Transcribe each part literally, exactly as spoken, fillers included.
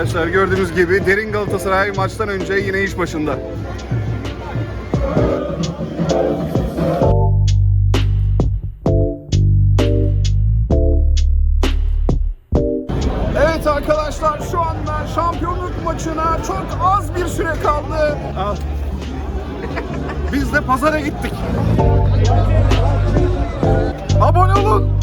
arkadaşlar, gördüğünüz gibi derin Galatasaray maçtan önce yine iş başında. Evet arkadaşlar, şu anda şampiyonluk maçına çok az bir süre kaldı. Al. Biz de pazara gittik. Abone olun.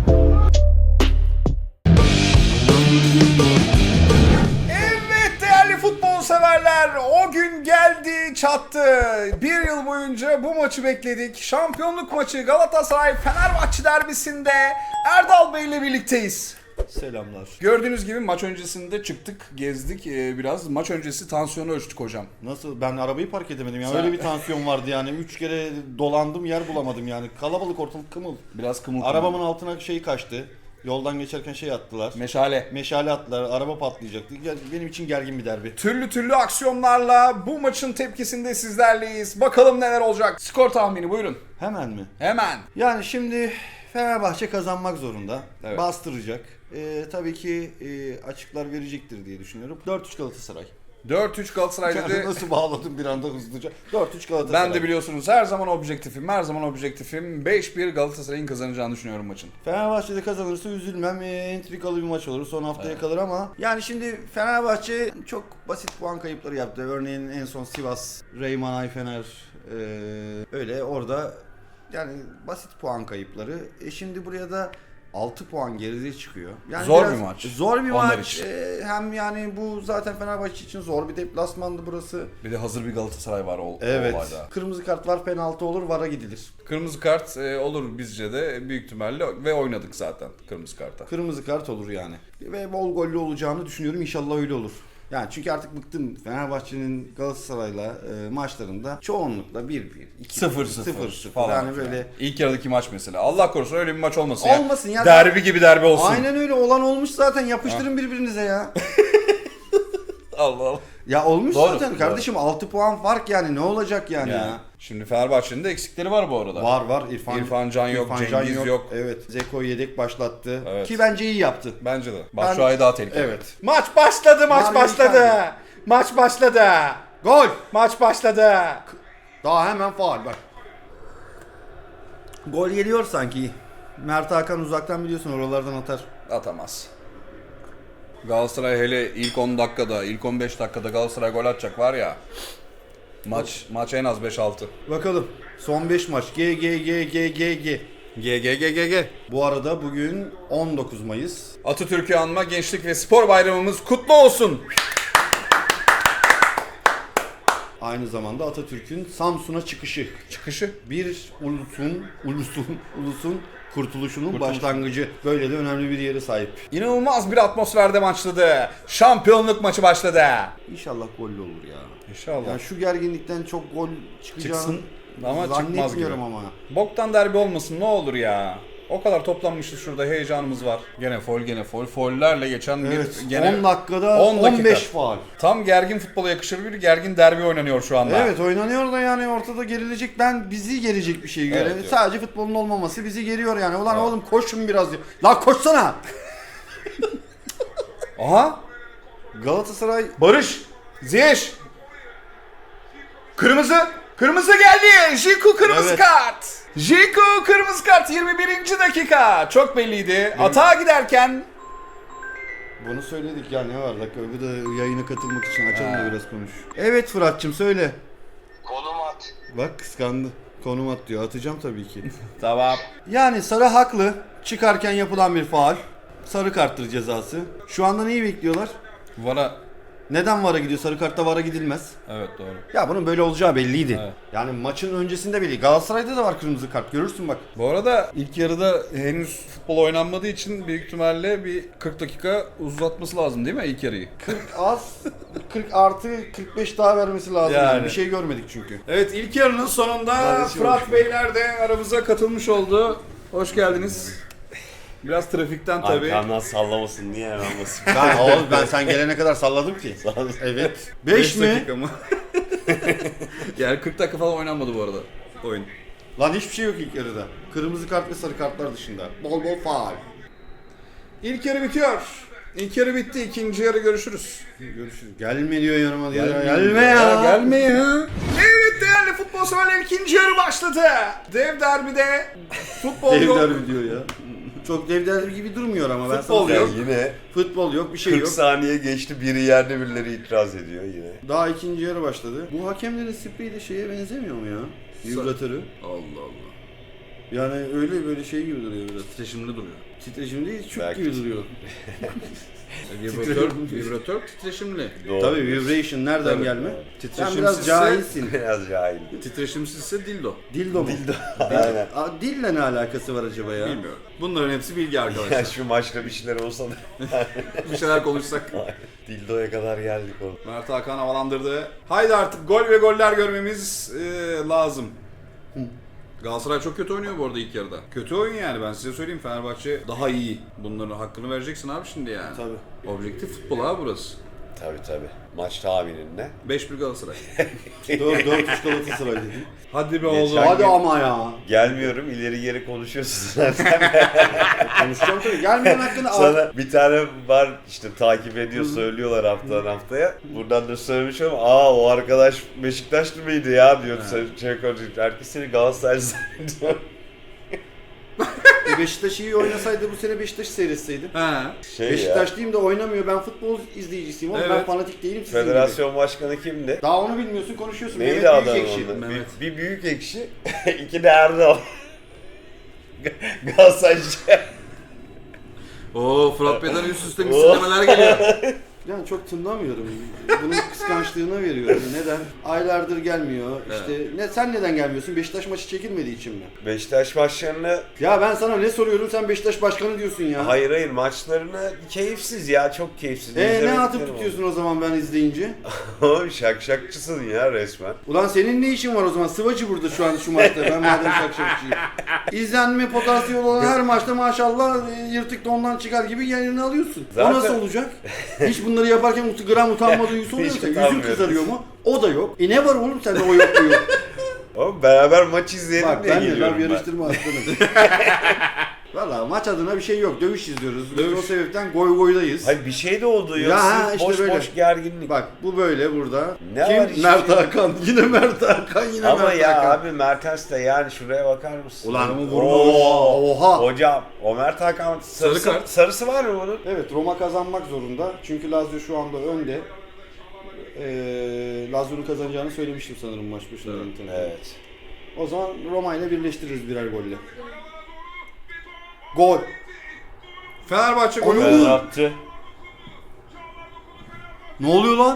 Evet değerli futbol severler, o gün geldi çattı. Bir yıl boyunca bu maçı bekledik. Şampiyonluk maçı Galatasaray Fenerbahçe derbisinde Erdal Bey ile birlikteyiz. Selamlar. Gördüğünüz gibi maç öncesinde çıktık, gezdik ee, biraz. Maç öncesi tansiyonu ölçtük hocam. Nasıl? Ben arabayı park edemedim ya. Sen- Öyle bir tansiyon vardı yani. Üç kere dolandım, yer bulamadım yani. Kalabalık, ortalık kımıl. Biraz kımıl kımıl. Arabamın altına şey kaçtı. Yoldan geçerken şey attılar. Meşale. Meşale attılar. Araba patlayacaktı. Ya, benim için gergin bir derbi. Türlü türlü aksiyonlarla bu maçın tepkisinde sizlerleyiz. Bakalım neler olacak. Skor tahmini buyurun. Hemen mi? Hemen. Yani şimdi Fenerbahçe kazanmak zorunda. Evet. Bastıracak. Ee, tabii ki e, açıklar verecektir diye düşünüyorum. dört üç Galatasaray. dört üç Galatasaray Yani dedi. nasıl bağladım bir anda hızlıca. dört üç Galatasaray. Ben de biliyorsunuz her zaman objektifim. Her zaman objektifim. beş bir Galatasaray'ın kazanacağını düşünüyorum maçın. Fenerbahçe'de kazanırsa üzülmem. E, entrikalı bir maç olur. Son haftaya kalır ama yani şimdi Fenerbahçe çok basit puan kayıpları yaptı. Örneğin en son Sivas, Reyman Ayfener e, öyle orada yani basit puan kayıpları. E şimdi buraya da altı puan geride çıkıyor. Yani Zor biraz bir maç. Zor bir Onlar maç. için. E, hem yani bu zaten Fenerbahçe için zor bir deplasmandı burası. Bir de hazır bir Galatasaray var o, Evet. o olayda. Kırmızı kart var, penaltı olur, VAR'a gidilir. Kırmızı kart e, olur bizce de büyük ihtimalle ve oynadık zaten kırmızı karta. Kırmızı kart olur yani. Ve bol gollü olacağını düşünüyorum. İnşallah öyle olur. Yani çünkü artık bıktım Fenerbahçe'nin Galatasaray'la e, maçlarında çoğunlukla bir bir, iki sıfır bir, sıfır sıfır sıfır. falan. Yani böyle İlk yarıdaki maç mesela. Allah korusun öyle bir maç olmasın, olmasın ya. ya. Derbi gibi derbi olsun. Aynen öyle olan olmuş zaten. Yapıştırın birbirinize ya. Allah Allah. Ya olmuş Doğru, zaten doğru. kardeşim, altı puan fark yani ne olacak yani Yani. ya. Şimdi Fenerbahçe'nin de eksikleri var bu arada. Var var İrfan, İrfan Can yok, Cengiz yok. Evet, Zeko yedek başlattı. Evet. Ki bence iyi yaptı. Bence de. Batshuayi daha tehlikeli. Evet. Maç başladı, maç Mario başladı. Icardi. Maç başladı. Gol! Maç başladı. Daha hemen faul bak. Gol geliyor sanki. Mert Hakan uzaktan biliyorsun oralardan atar. Atamaz. Galatasaray hele ilk on dakikada, ilk on beş dakikada Galatasaray gol atacak var ya. Maç maç en az beş altı. Bakalım. Son beş maç. G G G G G G. G G G G G. Bu arada bugün on dokuz Mayıs. Atatürk'ü anma Gençlik ve Spor Bayramımız kutlu olsun. Aynı zamanda Atatürk'ün Samsun'a çıkışı. Çıkışı. Bir ulusun, ulusun, ulusun kurtuluşunun Kurtuluş. başlangıcı. Böyle de önemli bir yere sahip. İnanılmaz bir atmosferde başladı. Şampiyonluk maçı başladı. İnşallah gollü olur ya. İnşallah. Yani şu gerginlikten çok gol çıkacağını Çıksın ama çıkmaz gibi. zannetmiyorum ama. Boktan derbi olmasın ne olur ya. O kadar toplanmışız şurada, heyecanımız var. Gene foul gene foul. Foul'lerle geçen Evet, bir gene on dakikada on dakika. on beş faul. Tam gergin futbola yakışır bir gergin derbi oynanıyor şu anda. Evet, oynanıyor da yani ortada gerilecek, ben bizi gerecek bir şey göre. Evet, evet. Sadece futbolun olmaması bizi geriyor yani. Ulan Evet. oğlum koşun biraz diyor. La koşsana. Aha! Galatasaray Barış! Ziyech! Kırmızı! Kırmızı geldi! Jiku kırmızı Evet. kart! Jiku kırmızı kart yirmi birinci dakika. Çok belliydi. Atağa giderken bunu söyledik ya, ne var dakika, bu da yayına katılmak için açalım Ha. da biraz konuş. Evet Fırat'cığım söyle. Konum at. Bak kıskandı. Konum at diyor. Atacağım tabii ki. tamam. Yani Sarı haklı. Çıkarken yapılan bir faul. Sarı karttır cezası. Şu anda neyi bekliyorlar? Vara. Neden VAR'a gidiyor? Sarı kartta VAR'a gidilmez. Evet doğru. Ya bunun böyle olacağı belliydi. Evet. Yani maçın öncesinde belli. Galatasaray'da da var kırmızı kart. Görürsün bak. Bu arada ilk yarıda henüz futbol oynanmadığı için büyük ihtimalle bir kırk dakika uzatması lazım değil mi ilk yarıyı? kırk az, kırk artı kırk beş daha vermesi lazım. Yani. Yani. Bir şey görmedik çünkü. Evet ilk yarının sonunda Kardeşim Fırat hoş Beyler de aramıza katılmış oldu. Hoş geldiniz. Biraz trafikten tabii. Arkamdan sallamasın, niye hemen basayım? Ben, oğlum ben sen gelene kadar salladım ki. Evet. beş mi? dakika mı? Yani kırk dakika falan oynanmadı bu arada oyun. Lan hiçbir şey yok ilk yarıda. Kırmızı kart ve sarı kartlar dışında. Bol bol faul. İlk yarı bitiyor. İlk yarı bitti. İkinci yarı görüşürüz. Görüşürüz. Gelme diyor yanıma diyor. Gelme, Gelme, ya. Gelme ya. Evet değerli futbol severler, ikinci yarı başladı. Dev derbide futbol Dev yok. derbi diyor ya. Çok dev derbi gibi durmuyor ama ben Futbol sana yok. söyleyeyim. Yine Futbol yok, bir şey kırk yok. saniye geçti, biri yerde birileri itiraz ediyor yine. Daha ikinci yarı başladı. Bu hakemlerin spreyi de şeye benzemiyor mu ya? Vibratörü. Allah Allah. Yani öyle böyle şey gibi duruyor biraz. Titreşimli duruyor. Titreşimli değil, çuk Belki. gibi duruyor. Vibratör, vibratör titreşimli. Doğru. Tabii vibration nereden Tabii. gelme? Sen Titreşimsizse- biraz cahilsin. Biraz cahil. Titreşimsizse dildo. Dildo mu? Aynen. Aa, dille ne alakası var acaba ya? Bilmiyorum. Bunların hepsi bilgi Ya arkadaşlar. şu maçta bir şeyler olsa da Bir şeyler konuşsak. dildoya kadar geldik oğlum. Mert Hakan havalandırdı. Haydi artık gol ve goller görmemiz e, lazım. Galatasaray çok kötü oynuyor bu arada ilk yarıda. Kötü oyun yani, ben size söyleyeyim. Fenerbahçe daha iyi. Bunların hakkını vereceksin abi şimdi yani. Tabii. Objektif futbol abi burası. Tabii tabii. Maç tahminin ne? beş bir Galatasaray. dört dört üç Galatasaray dedi. Hadi be Geçen oğlum. gün- Hadi ama ya. Gelmiyorum, ileri geri konuşuyorsun zaten. Konuşacağım tabii. Gelmeyen hakkını al. Sana bir tane var işte, takip ediyor, söylüyorlar haftadan haftaya. Buradan da söylemiş ama aa o arkadaş Beşiktaşlı mıydı ya diyordu. Sen şey konuşuyor. Herkes seni Galatasaraylı zannediyor. E Beşiktaş iyi oynasaydı bu sene Beşiktaş'ı seyretseydim. Ha. Şey Beşiktaş ya. diyeyim de oynamıyor. Ben futbol izleyicisiyim oğlum. Ben Evet. fanatik değilim sizin gibi. Federasyon başkanı kimdi? Daha onu bilmiyorsun, konuşuyorsun. Neydi Mehmet adam Büyükekşi. onda? Bir, Mehmet. bir büyük ekşi, iki de Erdal. Galatasaraycı. Oo, Fırat Bey'den üst üste misillemeler geliyor. Yani çok tınlamıyorum. Bunun kıskançlığına veriyorum. Neden? Aylardır gelmiyor. İşte ne sen neden gelmiyorsun? Beşiktaş maçı çekilmediği için mi? Beşiktaş maçlarını, Ya ben sana ne soruyorum, sen Beşiktaş başkanı diyorsun ya. hayır hayır maçlarını keyifsiz ya, çok keyifsiz. E ne İzlemediklerim atıp oldu. tutuyorsun o zaman ben izleyince? Oğlum şakşakçısın ya resmen. Ulan senin ne işin var o zaman? Sıvacı burada şu an şu maçta. Ben madem şakşakçıyım. İzlenme potansiyeli olan her maçta maşallah e, yırtık dondan çıkar gibi yerini alıyorsun. Zaten- O nasıl olacak? Hiç bunları yaparken ut- gram utanma duygusu oluyor mu? Hiç Yüzün utanmıyorum. kızarıyor mu? O da yok. E ne var oğlum sende o yok bu yok. Oğlum beraber maç izleyelim Bak diye ben de geliyorum laf ben. yarıştırma aslanım. Valla maç adına bir şey yok. Dövüş izliyoruz. Biz o sebepten goy goydayız. Hayır bir şey de oldu Ya ya. ha, Sırf işte boş böyle. boş gerginlik. Bak bu böyle burada. Ne Kim? var işte? Mert Hakan. Yine Mert Hakan. Yine Ama Mert ya Hakan. abi Mertens de yani şuraya bakar mısın? Ulan Oo, vurma. Oha. Hocam o Mert Hakan sarısı, Sarı kart. sarısı var mı bunun? Evet, Roma kazanmak zorunda. Çünkü Lazio şu anda önde. Ee, Lazio'nun kazanacağını söylemiştim sanırım maç başında. Evet. Evet. O zaman Roma ile birleştiririz birer golle. Gol. Fenerbahçe Golü golü. vur. Ben attı. Ne oluyor lan?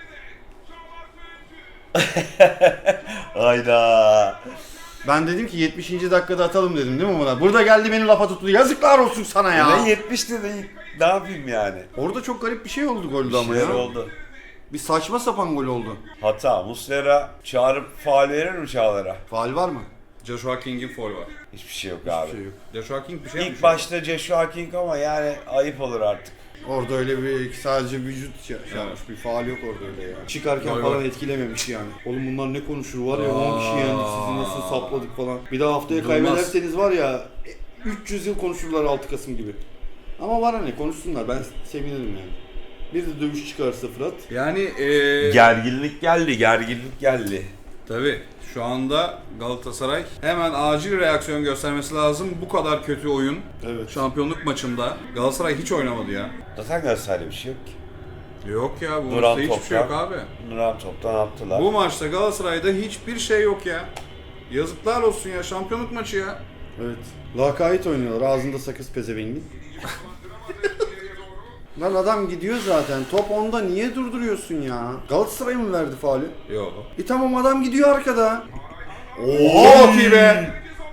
Hayda. Ben dedim ki yetmişinci dakikada atalım dedim değil mi buna? Burada geldi beni lafa tuttu. Yazıklar olsun sana ya. Ne yetmişti de ne yapayım yani? Orada çok garip bir şey oldu Bir golde ama şeyler ya. oldu. Bir saçma sapan gol oldu. Hata. Muslera çağırıp faul verir mi Çağlar'a? Faul var mı? Joshua King'in foul var. Hiçbir şey yok abi. Hiçbir şey yok. Joshua King bir şey İlk yapmış. başta Joshua King ama yani ayıp olur artık. Orada öyle bir sadece vücut şey şey yapmış, bir faal yok orada öyle ya. Çıkarken Gol, falan gol. etkilememiş yani. Oğlum bunlar ne konuşur var ya on kişi Aa. yendik sizi nasıl sapladık falan. Bir daha haftaya Durmaz. kaybederseniz var ya üç yüz yıl konuşurlar altı Kasım gibi. Ama var hani konuşsunlar ben sevinirim yani. Bir de dövüş çıkarsa Fırat. Yani eee... Gerginlik geldi, gerginlik geldi. Tabii. Şu anda Galatasaray hemen acil reaksiyon göstermesi lazım. Bu kadar kötü oyun. Evet. Şampiyonluk maçında. Galatasaray hiç oynamadı ya. Zaten Galatasaray'da bir şey yok ki. Yok ya, bu Duran maçta hiçbir şey yok topla. abi. Duran toptan attılar. Bu maçta Galatasaray'da hiçbir şey yok ya. Yazıklar olsun ya, şampiyonluk maçı ya. Evet. Lakayt oynuyorlar ağzında sakız pezevengin. Lan adam gidiyor zaten. Top onda niye durduruyorsun ya? Galatasaray mı verdi faulü? Yok. E tamam adam gidiyor arkada. Oha ki be!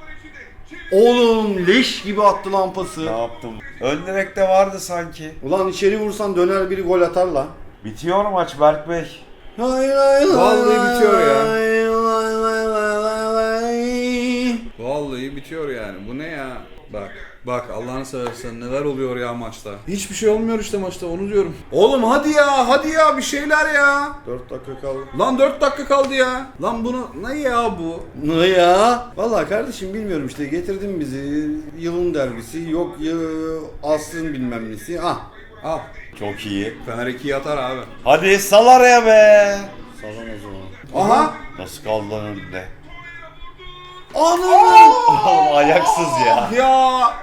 Oğlum leş gibi attı lan pası. Ne yaptım? Ön direkte vardı sanki. Ulan içeri vursan döner biri gol atar lan. Bitiyor maç Berk Bey. Hay hay hay Vallahi bitiyor ya. hay hay hay hay hay. Vallahi bitiyor yani. Bu ne ya? Bak. Bak Allah'ını seversen neler oluyor ya maçta. Hiçbir şey olmuyor işte maçta, onu diyorum. Oğlum hadi ya, hadi ya bir şeyler ya. dört dakika kaldı. Lan dört dakika kaldı ya. Lan bunu ne ya bu? Ne ya? Vallahi kardeşim bilmiyorum işte getirdin bizi yılın derbisi yok ya asrın bilmem nesi. Ah Al. Çok iyi. Fener ikiyi atar abi. Hadi sal araya be. Sallan o zaman. Aha. Nasıl kaldı lan önünde? Anam! Oğlum ayaksız ya. Ya.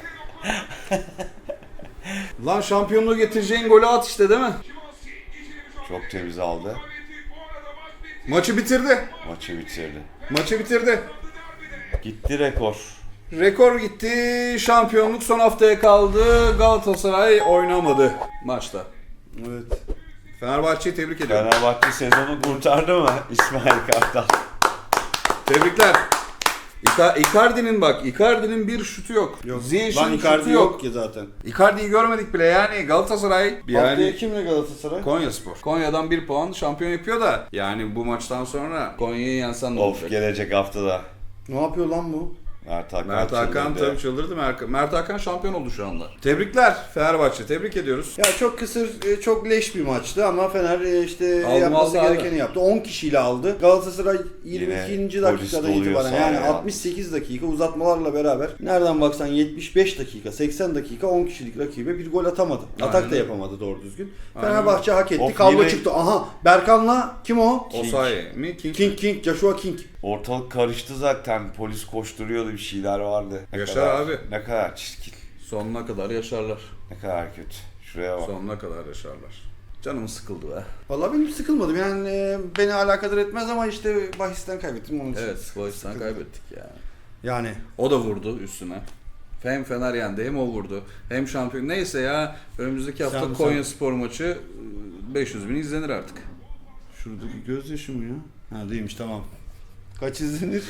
Lan şampiyonluğu getireceğin golü at işte değil mi? Çok temiz aldı. Maçı bitirdi. Maçı bitirdi. Maçı bitirdi. Gitti rekor. Rekor gitti. Şampiyonluk son haftaya kaldı. Galatasaray oynamadı maçta. Evet. Fenerbahçe'yi tebrik ediyorum. Fenerbahçe sezonu kurtardı mı İsmail Kartal? Tebrikler. Ica- Icardi'nin bak, Icardi'nin bir şutu yok. Yok. Ziyech'in Lan şutu Icardi yok. yok ki zaten. Icardi'yi görmedik bile yani Galatasaray Haftaya yani kimle Galatasaray? Konyaspor. Konya'dan bir puan şampiyon yapıyor da yani bu maçtan sonra Konya'yı yensen ne Of olacak? gelecek haftada. Ne yapıyor lan bu? Mert Hakan, Mert Hakan çıldırdı. tabii çıldırdı. Mert, Mert Hakan şampiyon oldu şu anda. Tebrikler Fenerbahçe. Tebrik ediyoruz. Ya çok kısır, e, çok leş bir maçtı ama Fener e, işte Aldım, yapması aldı gerekeni abi. yaptı. on kişiyle aldı. Galatasaray yirmi ikinci Yine polis dakikadan doluyor itibaren sahaya yani ya. altmış sekiz dakika uzatmalarla beraber nereden baksan yetmiş beş dakika, seksen dakika on kişilik rakibe bir gol atamadı. Aynen Atak da öyle. yapamadı doğru düzgün. Aynen Fenerbahçe hak etti. Of, Kavga yine- çıktı. Aha Berkan'la kim o? Osayi mi? King. King King, Joshua King. Ortalık karıştı zaten. Polis koşturuyordu, bir şeyler vardı. Ne Yaşar kadar, abi. Ne kadar çirkin. Sonuna kadar yaşarlar. Ne kadar kötü. Şuraya bak. Sonuna kadar yaşarlar. Canım sıkıldı be. Vallahi benim sıkılmadım yani e, beni alakadar etmez ama işte bahisten kaybettim onun için. Evet, bu yüzden kaybettik ya. Yani O da vurdu üstüne. Hem Fener yendi hem o vurdu. Hem şampiyon. Neyse ya önümüzdeki hafta Sen- Konya Spor maçı beş yüz bin izlenir artık. şuradaki gözyaşı mı ya? Ha değilmiş tamam. Kaç izlenir?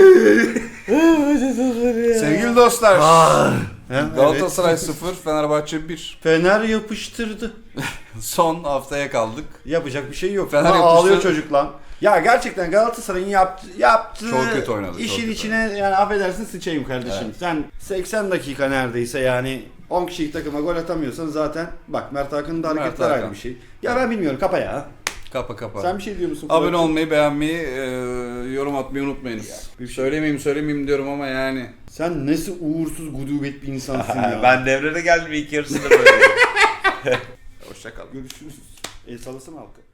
Sevgili dostlar. Hem Galatasaray sıfır, Fenerbahçe bir. Fener yapıştırdı. Son haftaya kaldık. Yapacak bir şey yok. Fener Fener yapıştı. ağlıyor çocuk lan. Ya gerçekten Galatasaray'ın yaptı, yaptığı Çok kötü oynadı, çok işin kötü içine yani affedersin sıçayım kardeşim. Sen seksen dakika neredeyse yani on kişilik takıma gol atamıyorsan zaten bak Mert Hakan'ın da Mert hareketler Hakan. ayrı bir şey. Ya ben bilmiyorum kapa ya. Kapa kapa. Sen bir şey diyor musun? Abone Fırat'cığım? olmayı, beğenmeyi, e, yorum atmayı unutmayınız. bir şey- Söylemeyeyim söylemeyeyim diyorum ama yani. Sen nasıl uğursuz gudubet bir insansın ya. Ben devrede geldim ilk yarısında böyle. Hoşçakalın. Görüşürüz. El sallasana halka.